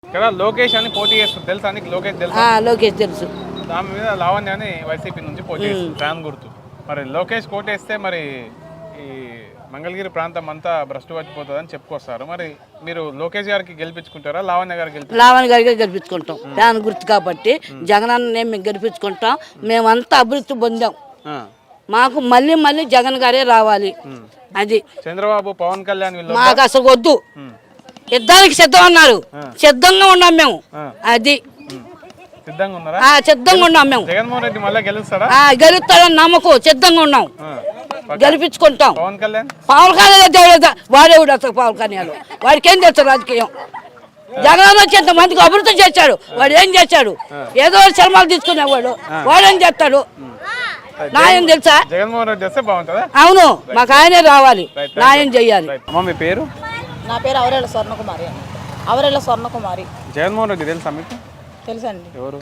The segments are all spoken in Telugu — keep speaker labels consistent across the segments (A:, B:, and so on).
A: ఇక్కడ లోకేష్ అని పోటీ చేస్తుంది తెలుసా నీకు? లోకేష్ తెలుసా?
B: లోకేష్ తెలుసు.
A: దాని మీద లావణ్య అని వైసీపీ నుంచి పోటీ చేస్తుంది ఫ్యాన్ గుర్తు. మరి లోకేష్ కోటేస్తే మరి ఈ మంగళగిరి ప్రాంతం అంతా భ్రష్టు పట్టిపోతుందని చెప్పుకొస్తారు. మరి మీరు లోకేష్ గారికి గెలిపించుకుంటారా లావణ్య గారికి?
B: లావణ్య గారికి గెలిపించుకుంటాం. ఫ్యాన్ గుర్తు కాబట్టి జగనన్నే మేము గెలిపించుకుంటాం. మేమంతా అభివృద్ధి పొందాం. మాకు మళ్ళీ మళ్ళీ జగన్ గారే రావాలి. అది
A: చంద్రబాబు పవన్ కళ్యాణ్
B: మాకు అసలు వద్దు. యుద్ధానికి సిద్ధం అన్నారు, సిద్ధంగా ఉన్నాం మేము. అది
A: సిద్ధంగా ఉన్నారా?
B: సిద్ధంగా ఉన్నాం మేము.
A: జగన్మోహన్ రెడ్డి మళ్ళీ గెలుస్తారా?
B: గెలుస్తాడని నమ్మకం, సిద్ధంగా ఉన్నాం. గెలిపించుకుంటాం.
A: పవన్ కళ్యాణ్
B: వాడేవుడు అసలు పవన్ కళ్యాణ్ వాడికి ఏం చేస్తాడు రాజకీయం? జగన్ వచ్చి ఎంత మందికి అభివృద్ధి చేశాడు. వాడు ఏం చేశాడు? ఏదో సినిమాలు తీసుకునేవాడు. వాడేం చేస్తాడు? నాయం తెలుసా?
A: జగన్మోహన్ రెడ్డి వస్తే బాగుంటుందా?
B: అవును, మాకు ఆయనే రావాలి, నాయం చెయ్యాలి.
A: అమ్మ మీ పేరు?
C: నా పేరు అవరేళ్ళ స్వర్ణకుమారి. అవరేళ్ళ స్వర్ణకుమారి.
A: జగన్మోహన్ రెడ్డి తెలుసా మీకు?
C: తెలుసండి.
A: ఎవరు?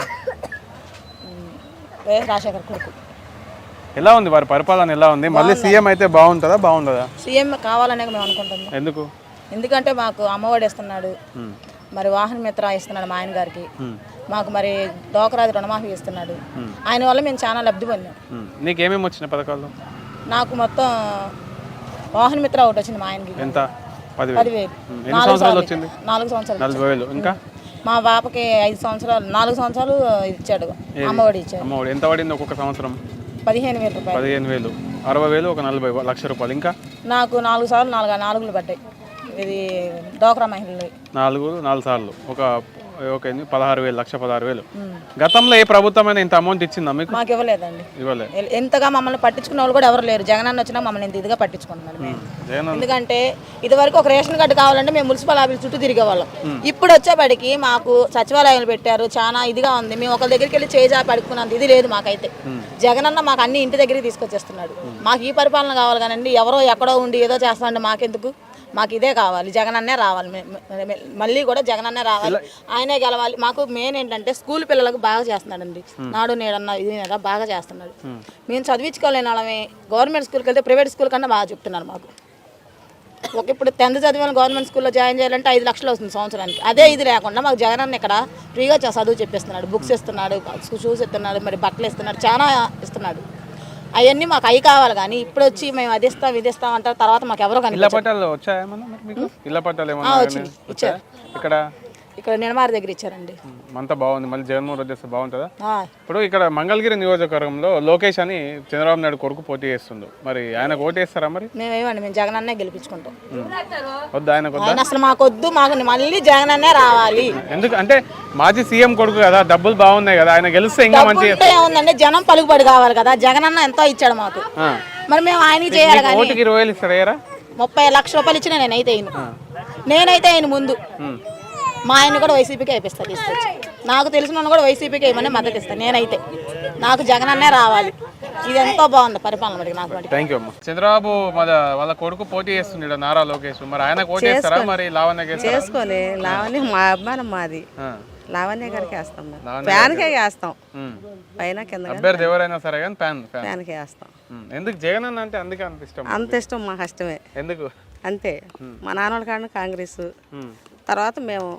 C: వైఎస్ రాజశేఖర్ కొడుకు.
A: ఎలా ఉంది వారి పరిపాలన? ఎలా ఉంది? మళ్ళీ సీఎం అయితే బాగుంటుందా? బాగుంటుందా?
C: సీఎం కావాలనే మేము అనుకుంటున్నాం.
A: ఎందుకు?
C: ఎందుకంటే మాకు అమ్మఒడి ఇస్తున్నాడు, మరి వాహన మిత్ర ఇస్తున్నాడు మా ఆయన గారికి, మాకు మరి డోకరాది రుణమాఫీ ఇస్తున్నాడు. ఆయన వల్ల మేము చాలా లబ్ధి పొందాం.
A: నీకేమేమి వచ్చిన పథకాలు?
C: నాకు మొత్తం వాహన మిత్ర ఒకటి వచ్చింది మా ఆయనకి.
A: ఎంత?
C: 10,000.
A: 4 సంవత్సరాలు.
C: 40
A: ఇంకా
C: మా పాపకి 5 సంవత్సరాలు 4 సంవత్సరాలు ఇచ్చాడు, అమ్మఒడి ఇచ్చాడు.
A: అమ్మఒడి ఎంత పడింది ఒక్కొక్క సంవత్సరం?
C: 15,000 రూపాయలు.
A: 15,000, 60,000, ఒక 40 లక్ష రూపాయలు. ఇంకా
C: నాకు 4 సార్లు 4 పడ్డాయి. ఇది డోక్రా మహిళలు
A: 4 సార్లు ఒక 16,000, 1,16,000. గతంలో ఏ ప్రభుత్వమైనా ఇంత అమౌంట్ ఇచ్చిందా మీకు?
C: మాకు ఇవ్వలేదండి.
A: ఇవ్వలేదు.
C: ఎంతగా మమ్మల్ని పట్టించుకున్న వాళ్ళు కూడా ఎవరు లేరు. జగనన్న వచ్చినా మమ్మల్ని ఇంత ఇదిగా పట్టించుకుంటున్నారు మేము. ఎందుకంటే ఇదివరకు ఒక రేషన్ కార్డు కావాలంటే మేము మున్సిపల్ ఆఫీస్ చుట్టూ తిరిగేవాళ్ళం. ఇప్పుడు వచ్చేపటికి మాకు సచివాలయాలు పెట్టారు, చాలా ఇదిగా ఉంది. మేము ఒకరి దగ్గరికి వెళ్ళి చేజా పడుకున్నంత ఇది లేదు మాకైతే. జగనన్న మాకు అన్ని ఇంటి దగ్గరికి తీసుకొచ్చేస్తున్నాడు. మాకు ఈ పరిపాలన కావాలి కానండి ఎవరో ఎక్కడో ఉండి ఏదో చేస్తామండి మాకెందుకు? మాకు ఇదే కావాలి, జగనన్నే రావాలి. మళ్ళీ కూడా జగనన్నే రావాలి, ఆయనే గెలవాలి. మాకు మెయిన్ ఏంటంటే స్కూల్ పిల్లలకు బాగా చేస్తున్నాడండి. నాడు నేడన్నా ఇది నేడా బాగా చేస్తున్నాడు. మేము చదివించుకోలేని వాళ్ళమే. గవర్నమెంట్ స్కూల్కి వెళ్తే ప్రైవేట్ స్కూల్ కన్నా బాగా చెప్తున్నారు మాకు. ఇప్పుడు 10th చదివిన గవర్నమెంట్ స్కూల్లో జాయిన్ చేయాలంటే 5 లక్షలు వస్తుంది సంవత్సరానికి. అదే ఇది లేకుండా మాకు జగనన్న ఇక్కడ ఫ్రీగా చదువు చెప్పిస్తున్నాడు. బుక్స్ ఇస్తున్నాడు, షూస్ ఇస్తున్నాడు, మరి బట్టలు ఇస్తున్నాడు, చాలా ఇస్తున్నాడు. అవన్నీ మాకు అవి కావాలి. కానీ ఇప్పుడు వచ్చి మేము అది ఇస్తాం ఇది ఇస్తాం అంటారు, తర్వాత మాకు ఎవరో కానీ ఇచ్చారు. ఇక్కడ నిర్మాణ దగ్గర ఇచ్చారండి.
A: అంతా బాగుంది. మళ్ళీ జగన్మోహన్ రెడ్డి వస్తే బాగుంటుందా? ఇప్పుడు ఇక్కడ మంగళగిరి నియోజకవర్గంలో లోకేష్ అని చంద్రబాబు నాయుడు కొడుకు పోటీ చేస్తుండు. మరి ఆయన ఓటు వేస్తారా? మరి
C: మేమేమండి, మేము జగనన్నే గెలిపించుకుంటాం.
A: వద్దు ఆయన
C: అసలు మాకు వద్దు, మాకు మళ్ళీ జగనన్నే రావాలి.
A: ఎందుకు అంటే మాజీ సీఎం కొడుకు కదా, డబ్బులు బాగున్నాయి కదా, ఆయన గెలిస్తే ఇంకా మంచి
C: ఏముందండి. జనం పలుకుబడి కావాలి కదా, జగనన్న ఎంతో ఇచ్చాడు మాకు, మరి మేము ఆయనకి చేయాలి. కానీ
A: 20,000 ఇస్తారా?
C: 30 లక్షల రూపాయలు ఇచ్చిన నేనైతే ఆయన ముందు మా ఆయన కూడా వైసీపీకి అయిపోతా తీసుకొచ్చి. నాకు తెలిసిన కూడా వైసీపీకి ఏమన్నా మద్దతు ఇస్తాను. నేనైతే నాకు జగనన్నే రావాలి. ఇది ఎంతో బాగుంది పరిపాలన నాకు.
A: థ్యాంక్ యూ అమ్మ. చంద్రబాబు వాళ్ళ కొడుకు పోటీ చేస్తుండే నారా లోకేష్, మరి ఆయన పోటీ చేస్తారా? మరి లావణ్య
D: చేసుకోలే. లావణ్య మా అభిమానం, మాది లావణ్య గారికి వేస్తాం, ఫ్యాన్కే వేస్తాం. పైన కింద
A: అభ్యర్థి ఎవరైనా సరే కానీ
D: ఫ్యాన్కే వేస్తాం.
A: ఎందుకు జగన్ అన్న అంటే? అందుకే అంత ఇష్టం.
D: అంత ఇష్టం మాకు ఇష్టమే.
A: ఎందుకు?
D: అంతే. మా నాన్నోళ్ళ కాడ కాంగ్రెస్, తర్వాత మేము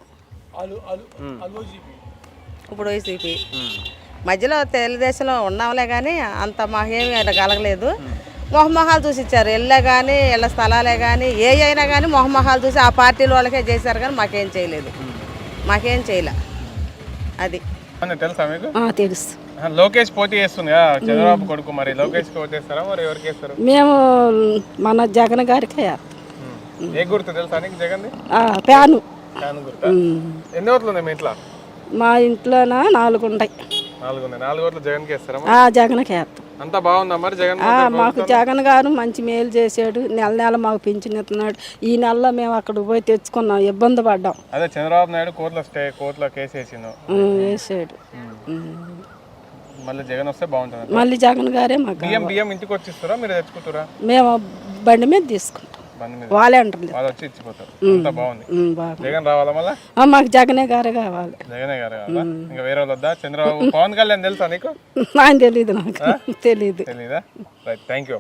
D: ఇప్పుడు వైసీపీ, మధ్యలో తెలుగుదేశంలో ఉన్నాంలే. కానీ అంత మాకేమీ కలగలేదు. మొహమొహాలు చూసి ఇచ్చారు. ఇళ్ళే కానీ ఇళ్ళ స్థలాలే కానీ ఏ అయినా కానీ మొహమొహాలు చూసి ఆ పార్టీల వాళ్ళకే చేశారు. కానీ మాకేం చేయలేదు, మాకేం చేయలే. అది
A: తెలుసా మీకు?
B: తెలుసు.
A: లోకేష్ పోటీ చేస్తుంది చంద్రబాబు కొడుకు, మరి లోకేష్ పోటీ చేస్తారా? మరి ఎవరికి వేస్తారు?
B: మేము మన జగన్ గారికి.
A: ఏ గుర్తు తెలుసా నీకు జగన్?
B: ఫ్యాను.
A: ఎన్ని ఓట్లు ఉన్నాయి మీ ఇంట్లో?
B: మా ఇంట్లోనా 4 ఉంటాయి.
A: 4 ఉన్నాయి. 4 ఓట్లు జగన్కి వేస్తారా?
B: జగన్కి వేస్తాం.
A: అంతా బాగుందా మరి జగన్?
B: మాకు జగన్ గారు మంచి మేలు చేసాడు. నెల మాకు పింఛన్ ఇస్తున్నాడు. ఈ నెలలో మేము అక్కడికి పోయి తెచ్చుకున్నాం, ఇబ్బంది పడ్డాం.
A: అదే చంద్రబాబు నాయుడు కోర్టులో కేసు
B: వేసాడు.
A: మళ్ళీ జగన్ వస్తే బాగుంటుంది.
B: మళ్ళీ జగన్ గారే మాకు.
A: బియ్యం ఇంటికి వచ్చి ఇస్తారా, మీరు తెచ్చుకుంటారా?
B: మేము బండి మీద తీసుకుంటాం. వాళ్ళే అంటారు,
A: వాళ్ళు వచ్చి ఇచ్చిపోతారు. అంతా బాగుంది. జగన్ రావాలా మళ్ళీ?
B: మాకు జగనే గారే కావాలి.
A: జగనే గారు కావాలా? ఇంకా వేరే వాళ్ళు వద్దా? చంద్రబాబు పవన్ కళ్యాణ్ తెలుసా నీకు?
B: ఆయన తెలీదు, నాకు తెలీదు.
A: తెలీదా? Right, thank you.